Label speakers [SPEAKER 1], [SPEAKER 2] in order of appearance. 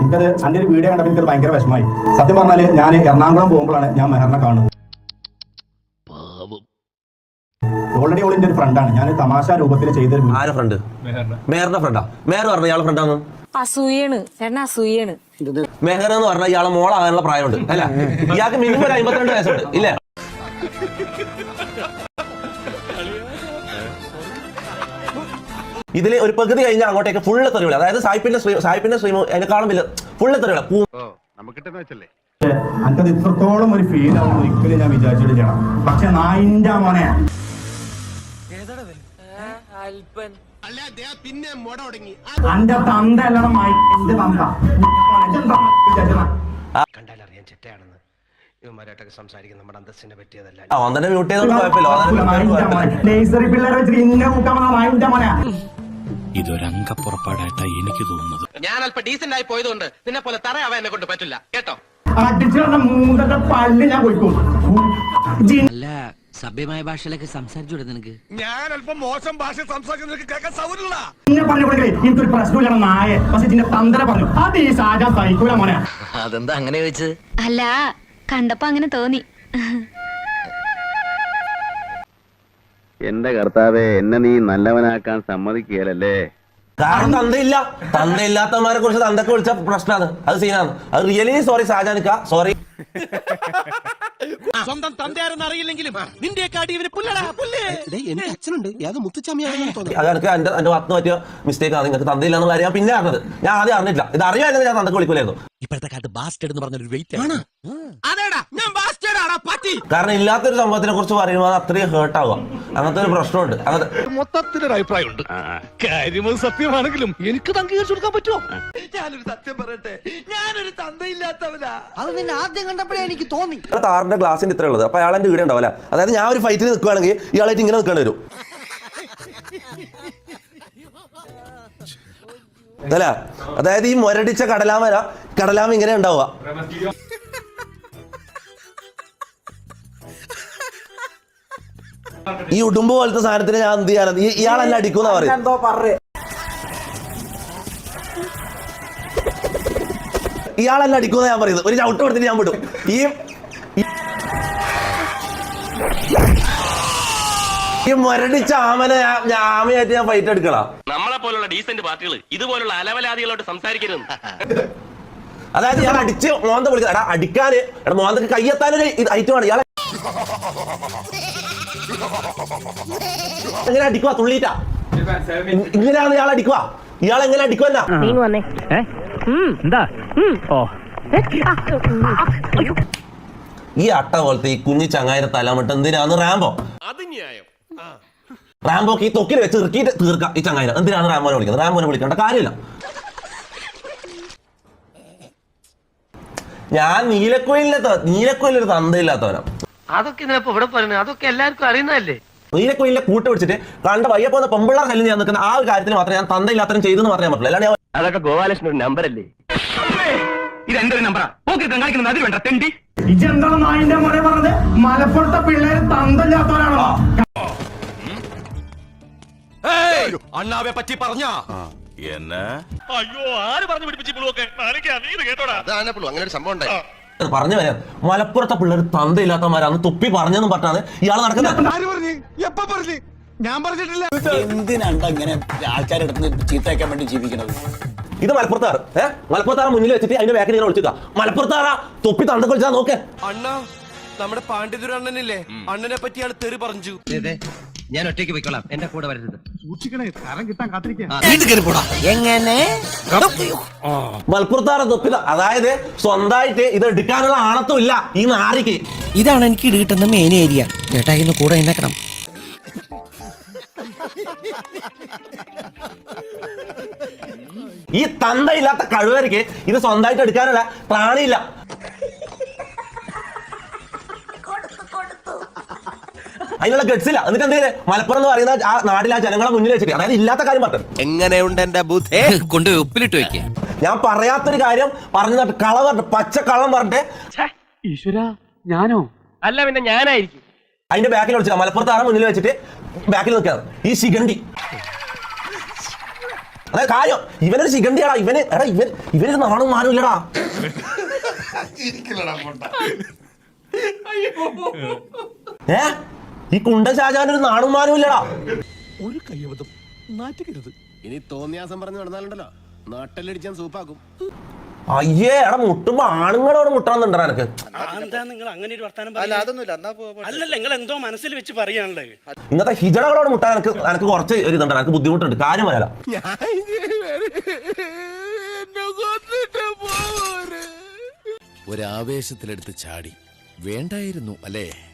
[SPEAKER 1] എനിക്കത് എൻ്റെ ഒരു വീഡിയോ കണ്ടപ്പോൾ എനിക്കത് ഭയങ്കര വിഷമമായി. സത്യം പറഞ്ഞാല് ഞാൻ എറണാകുളം പോകുമ്പോഴാണ് ഞാൻ മെഹറിനെ കാണുന്നത്. ഓൾറെഡി ഓളിന്റെ ഒരു ഫ്രണ്ടാണ്. ഞാൻ തമാശ രൂപത്തിൽ ചെയ്തൊരു
[SPEAKER 2] ഫ്രണ്ട് മെഹറിന്റെ ഫ്രണ്ടാ. മെഹർ പറഞ്ഞ ഇയാളെ ഫ്രണ്ടാണ്.
[SPEAKER 3] അസൂയാണ് ചേട്ടൻ, അസൂയാണ്.
[SPEAKER 2] മെഹർ എന്ന് പറഞ്ഞാൽ ഇയാളെ മോളാകാനുള്ള പ്രായമുണ്ട് അല്ല, ഇയാൾക്ക് മിനിമം 52 വയസ്സുണ്ട് ഇല്ലേ? ഇതില് ഒരു പകുതി കഴിഞ്ഞാൽ അങ്ങോട്ടേക്ക് ഫുള്ള് തെറിവില്ല. അതായത് സായിപ്പിന്റെ സ്ട്രീം അതിനെക്കാളും വലിയ ഫുള്ള് തെറിവില്ല.
[SPEAKER 1] എനിക്കത് ഇത്രത്തോളം ഒരു ഫീൽ ആവും ഒരിക്കലും ഞാൻ വിചാരിച്ചിട്ട് ചെയ്യണം. പക്ഷെ നായിന്റെ മോനെ എന്റെ തന്ത അല്ലണം എന്റെ തന്ത
[SPEAKER 4] കണ്ടാലറിയാൻ ചെറ്റയാണെന്ന് ഇവന്മാരായിട്ടൊക്കെ സംസാരിക്കുന്ന നമ്മുടെ അന്തസ്സിനെ പറ്റിയതല്ല.
[SPEAKER 2] അവനെ മ്യൂട്ട് ചെയ്തൊന്നും കുഴപ്പമില്ല.
[SPEAKER 5] ഇതൊരംഗപ്പുറപ്പാടായിട്ടാ എനിക്ക് തോന്നുന്നത്.
[SPEAKER 4] ഞാൻ അല്പം ഡീസന്റ് ആയി പോയതുകൊണ്ട് നിന്നെ പോലെ തറയാവാൻ എന്നെ കൊണ്ട് പറ്റില്ല കേട്ടോ.
[SPEAKER 1] അടിച്ചുള്ള മൂന്നത്തെ പല്ല് ഞാൻ പോയിക്കോളും.
[SPEAKER 6] അല്ല, സഭ്യമായ ഭാഷയിലൊക്കെ സംസാരിച്ചു നിനക്ക്.
[SPEAKER 7] ഞാൻ അല്പം മോശം ഭാഷ സംസാരിക്കുന്ന കേൾക്കാൻ സൗകര്യമില്ല.
[SPEAKER 1] എനിക്കൊരു പ്രശ്നമില്ല നായ. പക്ഷെ ഇതിന്റെ തന്തര പറഞ്ഞു അത് ഈ സാജാ സഹിക്കൂല മോനെ.
[SPEAKER 6] അതെന്താ അങ്ങനെ ചോദിച്ചത്?
[SPEAKER 3] അല്ല, കണ്ടപ്പോ അങ്ങനെ തോന്നി.
[SPEAKER 8] എന്റെ കർത്താവെ, എന്നെ നീ നല്ലവനാക്കാൻ സമ്മതിക്കുകയല്ലേ?
[SPEAKER 2] കാരണം തന്തയില്ലാത്തവന്മാരെ കുറിച്ച് തന്തൊക്കെ വിളിച്ച പ്രശ്നമാണ്. അത് സീനാണ്. അത് റിയലി സോറി ഷാജാനിക്ക, സോറി.
[SPEAKER 7] സ്വന്തം തന്തയാരെന്ന് അറിയില്ലെങ്കിലും നിന്റെയൊക്കെ അടിയവന് എനിക്ക് അച്ഛനുണ്ട്, അത് മുത്തുച്ചാമിയാണെന്ന് തോന്നുന്നു.
[SPEAKER 2] അത് എനിക്ക് എന്റെ ഭാഗത്ത് പറ്റിയ മിസ്റ്റേക്ക് ആണ്. നിങ്ങൾക്ക് തന്തയില്ലാന്ന് കാര്യം ഞാൻ പിന്നെ അറിഞ്ഞത്. ഞാൻ ആദ്യം അറിഞ്ഞില്ല. ഇത് അറിയാമെങ്കിൽ ഞാൻ തന്തക്ക് വിളിക്കൂലായിരുന്നു.
[SPEAKER 5] ഇപ്പോഴത്തെ കാലത്ത് ബാസ്റ്റേഡ് എന്ന് പറഞ്ഞൊരു വെയിറ്റ് ആണ്.
[SPEAKER 2] കാരണം ഇല്ലാത്തൊരു സംഭവത്തിനെ കുറിച്ച് പറയുമ്പോൾ അത് അത്രയും ഹേർട്ട് ആവുക. അങ്ങനത്തെ ഒരു പ്രശ്നമുണ്ട്.
[SPEAKER 7] മൊത്തത്തിലൊരു അഭിപ്രായമുണ്ട്. കാര്യം സത്യമാണെങ്കിലും എനിക്ക് അംഗീകരിച്ചു കൊടുക്കാൻ പറ്റുമോ? ഞാനൊരു സത്യം പറയട്ടെ, ഞാനൊരു തന്തയില്ലാത്തവനാ.
[SPEAKER 6] അത് നിന്നെ ആദ്യം കണ്ടപ്പോഴേ എനിക്ക് തോന്നി.
[SPEAKER 2] താറിന്റെ ഗ്ലാസിന്റെ ഇത്ര ഉള്ളത്. അപ്പൊ അയാൾ എന്റെ വീട് ഉണ്ടാവില്ല. അതായത് ഞാൻ ഒരു ഫൈറ്റിൽ നിൽക്കുകയാണെങ്കിൽ ഇയാളായിട്ട് ഇങ്ങനെ നിൽക്കേണ്ടി വരും അല്ല. അതായത് ഈ മുരടിച്ച കടലാമ ഇങ്ങനെ ഉണ്ടാവുക. ഈ ഉടുമ്പ് പോലത്തെ സാധനത്തിന് ഞാൻ എന്ത് ചെയ്യാൻ? ഇയാളെല്ലാം അടിക്കുന്ന പറയും. ഇയാളെല്ലാം അടിക്കുന്ന ഞാൻ പറയുന്നത്. ഒരു ചവിട്ട് കൊടുത്തിട്ട് ഞാൻ വിടും. ഈ മുരടിച്ച ആമയായിട്ട് ഞാൻ ഫൈറ്റ് എടുക്കണം.
[SPEAKER 4] നമ്മളെ പോലുള്ള ഡീസന്റ് പാർട്ടികൾ ഇതുപോലുള്ള അലവലാദികളോട് സംസാരിക്കരുത്.
[SPEAKER 2] അതായത് ഞാൻ അടിച്ച് മോന്ത വിളിക്കുക. എടാ അടിക്കാന് മോന്തക്ക് കയ്യെത്താനൊരു ഐറ്റമാണ് ഇയാളെ. എങ്ങനെ അടിക്കുക? തുള്ളിയിട്ടാ ഇങ്ങനെയാണ് ഇയാൾ അടിക്കുക. ഇയാൾ എങ്ങനെ അടിക്കുവല്ല? ഈ അട്ട പോലത്തെ ഈ കുഞ്ഞി ചങ്ങായിരെ തലമിട്ട് എന്തിനാണ് റാംബോക്ക് ഈ തൊക്കിൽ വെച്ച് ഇറക്കിയിട്ട് തീർക്കാം ഈ ചങ്ങായിനെ. എന്തിനാണ് റാംബോനെ വിളിക്കുന്നത്? റാംബോനെ വിളിക്കേണ്ട കാര്യമില്ല. ഞാൻ നീലക്കോയിലൊരു തന്തയില്ലാത്തവനാ.
[SPEAKER 4] അതൊക്കെ ഇതിനപ്പോ ഇവിടെ പറയുന്നത് അതൊക്കെ എല്ലാവർക്കും അറിയുന്നതല്ലേ.
[SPEAKER 2] നീലക്കോയിലെ കൂട്ട് പിടിച്ചിട്ട് കണ്ട വയ്യ പോകുന്ന പെമ്പിള്ളാർ കല്ലിൽ ഞാൻ നിൽക്കുന്ന ആ ഒരു കാര്യത്തിൽ മാത്രമേ ഞാൻ തന്തയില്ലാത്തവരും ചെയ്തെന്ന് പറയാൻ പറ്റില്ല. അല്ലാണ്ട്
[SPEAKER 4] അതൊക്കെ ഗോപാലകൃഷ്ണൻ ഒരു നമ്പർ അല്ലേ? ഇത് എന്റെ ഒരു നമ്പറാ. കാണിക്കുന്നത് അതിൽ വേണ്ട തെണ്ടി.
[SPEAKER 1] ഇതെന്താണ് നായിന്റെ മോനെ പറഞ്ഞത്? മലപ്പുറത്തെ പിള്ളേര് തന്തയില്ലാത്തവരാണോ?
[SPEAKER 7] അണ്ണാവെ പറ്റി പറഞ്ഞ
[SPEAKER 9] അയ്യോ, ആര് പറഞ്ഞു പിടിപ്പിച്ചു?
[SPEAKER 4] അങ്ങനെ ഒരു സംഭവം ഉണ്ടായി.
[SPEAKER 2] പറഞ്ഞു വരാം. മലപ്പുറത്തെ പിള്ളേർ തന്തയില്ലാത്തവന്മാരാന്ന് തൊപ്പി പറഞ്ഞെന്നും പറഞ്ഞാണ് ഇയാൾ നടക്കുന്നത്.
[SPEAKER 7] ഞാൻ പറഞ്ഞിട്ടില്ല.
[SPEAKER 5] എന്തിനാണ്ട ഇങ്ങനെ ആൾക്കാരുടെ അടുത്ത് ചീത്തയാക്കാൻ വേണ്ടി ജീവിക്കുന്നത്?
[SPEAKER 2] ഇത് മലപ്പുറത്താറ്. മലപ്പുറത്താറ് മുന്നിൽ വെച്ചിട്ട് അതിന്റെ ബാക്കിൽ ഇങ്ങനെ വിളിക്കുക. മലപ്പുറത്താറാ തൊപ്പി തന്ത കളിച്ചാ നോക്കേ.
[SPEAKER 7] അണ്ണ നമ്മുടെ പാണ്ഡിതുര അണ്ണനില്ലേ, അണ്ണനെ പറ്റി ആള് തെറി പറഞ്ഞു.
[SPEAKER 6] ഞാൻ ഒറ്റയ്ക്ക് പോയിക്കോളാം, എന്റെ കൂടെ വരരുത്.
[SPEAKER 1] സൂക്ഷിക്കണേ, തരം കിട്ടാൻ കാത്തിരിക്കുക.
[SPEAKER 6] എങ്ങനെ
[SPEAKER 2] മലപ്പുറത്താറ തൊപ്പി. അതായത് സ്വന്തമായിട്ട് ഇത് എടുക്കാനുള്ള ആണത്തും ഇല്ല ഈ നാരിക്ക്.
[SPEAKER 6] ഇതാണ് എനിക്ക് കിട്ടുന്ന മെയിൻ ഏരിയ. ചേട്ടാ ഇന്ന് കൂടെ എന്നെക്കണം.
[SPEAKER 2] ഈ തന്തയില്ലാത്ത കഴിവർക്ക് ഇത് സ്വന്തമായിട്ട് എടുക്കാനുള്ള പ്രാണിയില്ല. അതിനുള്ള ഗഡ്സില്ല. എന്നിട്ട് എന്ത് മലപ്പുറം എന്ന് പറയുന്ന ആ നാട്ടിലെ ആ ജനങ്ങളെ മുന്നിൽ വെച്ചിട്ട്, അതായത് ഇല്ലാത്ത കാര്യം പറഞ്ഞു.
[SPEAKER 7] എങ്ങനെയുണ്ട് എന്റെ ബുദ്ധി?
[SPEAKER 6] കൊണ്ട് ഉപ്പിലിട്ട് വെക്ക.
[SPEAKER 2] ഞാൻ പറയാത്തൊരു കാര്യം പറഞ്ഞു, കള പറഞ്ഞിട്ട് പച്ച കള്ളം പറഞ്ഞിട്ട്
[SPEAKER 9] ഈശ്വര, ഞാനോ?
[SPEAKER 4] അല്ല പിന്നെ ഞാനായിരിക്കും.
[SPEAKER 2] അതിന്റെ ബാക്കിൽ വിളിച്ചില്ല. മലപ്പുറത്താറ് മുന്നിൽ വെച്ചിട്ട് ബാക്കിൽ നിൽക്കുകയാണ് ഈ ശിഖണ്ഡി. അതായത് കാര്യം ഇവനൊരു ശിഖണ്ഡിയാടാ. ഇവനൊരു നാണും മാനും ഇല്ലടാ. ഈ കുണ്ട ഷാജാനൊരു നാണും മാനും ഇല്ലടാ.
[SPEAKER 7] ഒരു കയ്യബദ്ധം നാറ്റുകരുത്.
[SPEAKER 5] ഇനി തോന്നിയാസം പറഞ്ഞു നടന്നാലുണ്ടല്ലോ നാട്ടിലടിച്ചാൻ സൂപ്പാക്കും.
[SPEAKER 2] അയ്യേ എടാ മുട്ടുമ്പോ ആണുങ്ങളോട് മുട്ടാന്നുണ്ടാ എനക്ക്.
[SPEAKER 10] എന്താ നിങ്ങൾ അങ്ങനെ ഒരു വർത്താനം അല്ലല്ല നിങ്ങൾ എന്തോ മനസ്സിൽ വെച്ച് പറയാനുള്ളത്.
[SPEAKER 2] ഇന്നത്തെ ഹിജടകളോട് മുട്ടാൻ എനിക്ക് കുറച്ച് ഒരു ഇതുണ്ട്. എനിക്ക് ബുദ്ധിമുട്ടുണ്ട്. കാര്യം പറയാല.
[SPEAKER 5] ഒരാവേശത്തിലെടുത്ത് ചാടി വേണ്ടായിരുന്നു അല്ലേ?